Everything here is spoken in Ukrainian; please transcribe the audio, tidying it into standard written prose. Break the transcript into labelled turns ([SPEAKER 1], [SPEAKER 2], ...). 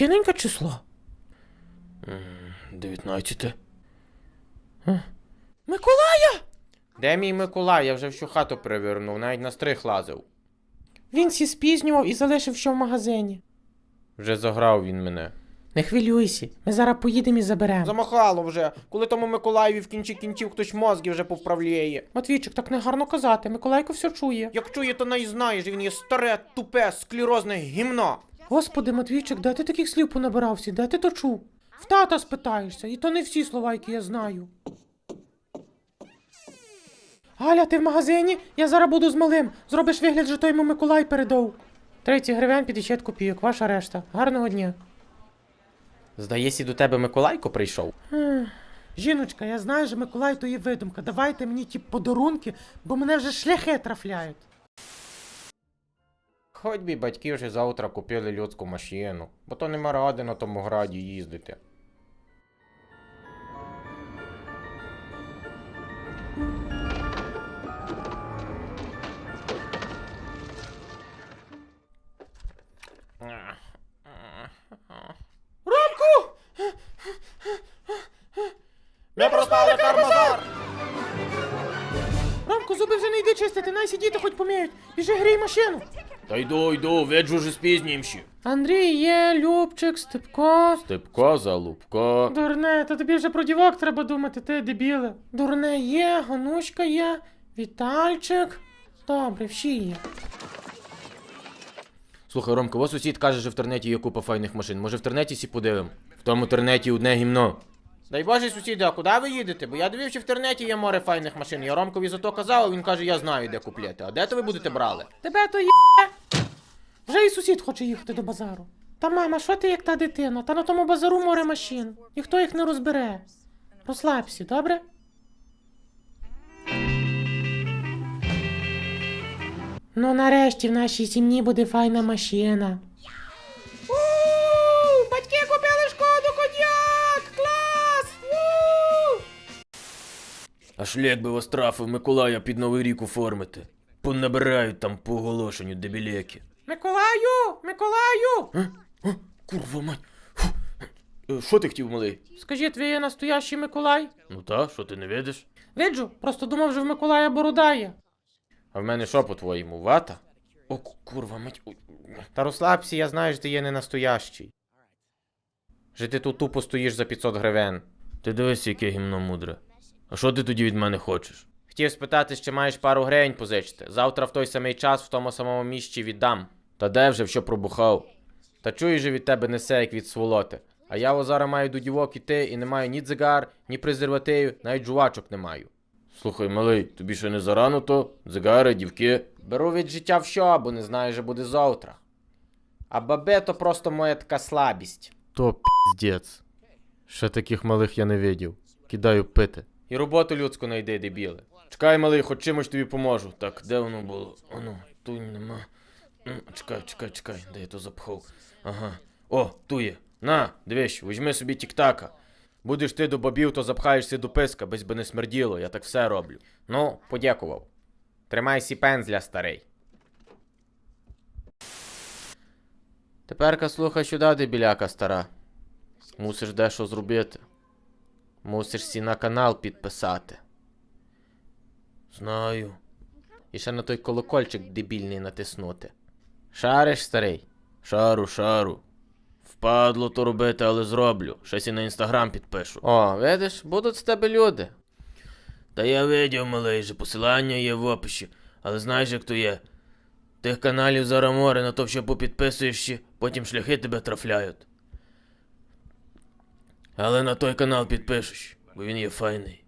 [SPEAKER 1] Яке неньке число?
[SPEAKER 2] 19.
[SPEAKER 1] Миколая!
[SPEAKER 2] Де мій Миколай? Я вже всю хату перевернув, навіть на стрих лазив.
[SPEAKER 1] Він сі спізнював і залишив що в магазині.
[SPEAKER 2] Вже заграв він мене.
[SPEAKER 1] Не хвилюйся, ми зараз поїдемо і заберемо.
[SPEAKER 2] Замахало вже, коли тому Миколаєві в кінці кінців хтось мозги вже повправляє.
[SPEAKER 1] Матвійчик, так не гарно казати, Миколайко все чує.
[SPEAKER 2] Як чує, то не знаєш, він є старе, тупе, склерозне гімно.
[SPEAKER 1] Господи, Матвійчик, де ти таких слів понабирався, де ти то чув? В тата спитаєшся, і то не всі слова, які я знаю. Галя, ти в магазині? Я зараз буду з малим. Зробиш вигляд, що той йому Миколай передав. 30 гривень 50 копійок, ваша решта. Гарного дня.
[SPEAKER 2] Здається, до тебе Миколайко прийшов.
[SPEAKER 1] Жіночка, я знаю, що Миколай то є видумка. Давайте мені ті подарунки, бо мене вже шляхи трафляють.
[SPEAKER 2] Хоч би батьки вже завтра купили людську машину, бо то нема ради на тому граді їздити.
[SPEAKER 1] Ромку!
[SPEAKER 2] Ми проспали карбазар!
[SPEAKER 1] Ромку, зуби вже не йди чистити, най сидіти хоч поміють. Біжи грій машину.
[SPEAKER 2] Та йду, виджу вже спізнімші.
[SPEAKER 1] Андрій є, Любчик, Степко.
[SPEAKER 2] Степко, Залупко.
[SPEAKER 1] Дурне, та тобі вже про дівок треба думати, ти дебіле. Дурне є, Ганушка є, Вітальчик. Добре, всі є.
[SPEAKER 2] Слухай, Ромко, ось сусід каже, що в тернеті є купа файних машин. Може в тернеті сі подивим? В тому тернеті одне гімно. Дай Боже, сусіди, а куди ви їдете? Бо я дивився, в тернеті є море файних машин. Я Ромкові зато казав, а він каже, я знаю, де купляти. А де то ви будете брали?
[SPEAKER 1] Тебе то є. Вже і сусід хоче їхати до базару. Та мама, що ти як та дитина? Та на тому базару море машин. Ніхто їх не розбере. Розслабся, добре? Ну нарешті в нашій сім'ї буде файна машина. Батьки купили Шкоду Кодіак! Клас!
[SPEAKER 2] А шлях би вас трафив Миколая під Новий рік оформити. Понабирають там по оголошенню дебілеки.
[SPEAKER 1] Миколаю! Миколаю!
[SPEAKER 2] Курва мать. Що ти хотів, малий?
[SPEAKER 1] Скажіть, ви є настоящий Миколай?
[SPEAKER 2] Ну та, що ти не видиш?
[SPEAKER 1] Виджу, просто думав, що в Миколая борода є.
[SPEAKER 2] А в мене що, по-твоєму, вата? О, курва мать. Та розслабся, я знаю, що ти є не настоящий. Що ти тут тупо стоїш за 500 гривень. Ти дивись, яке гімно мудре. А що ти тоді від мене хочеш? Хотів спитати, чи маєш пару гривень позичити. Завтра в той самий час в тому самому місці віддам. Та де вже, що пробухав? Та чуєш же від тебе несе, як від сволоти. А я зараз маю до дівок іти і не маю ні дзигар, ні презервативів, навіть жувачок не маю. Слухай, малий, тобі ще не зарано то? Дзигари, дівки? Беру від життя все, бо не знаю, що буде завтра. А бабе то просто моя така слабість. То піздець. Ще таких малих я не видів. Кидаю пити. І роботу людську найди, дебіле. Чекай, малий, хоч чимось тобі поможу. Так, де воно було? Оно, тут нема. Чекай, де я то запхав? Ага. О, ту є. На, дивись, візьми собі тік-така. Будеш ти до бабів, то запхаєшся до писка, без би не смерділо, я так все роблю. Ну, подякував. Тримай сі пензля, старий. Теперка слухай сюди, дебіляка стара. Мусиш дещо зробити. Мусиш сі на канал підписати. Знаю. І ще на той колокольчик дебільний натиснути. Шариш, старий? Шару. Впадло то робити, але зроблю. Щось і на інстаграм підпишу. О, видиш, будуть з тебе люди. Та я видів, малий, же посилання є в описі. Але знаєш, як то є? Тих каналів зараз море, на то що попідписуєш ще, потім шляхи тебе трафляють. Але на той канал підпишеш, бо він є файний.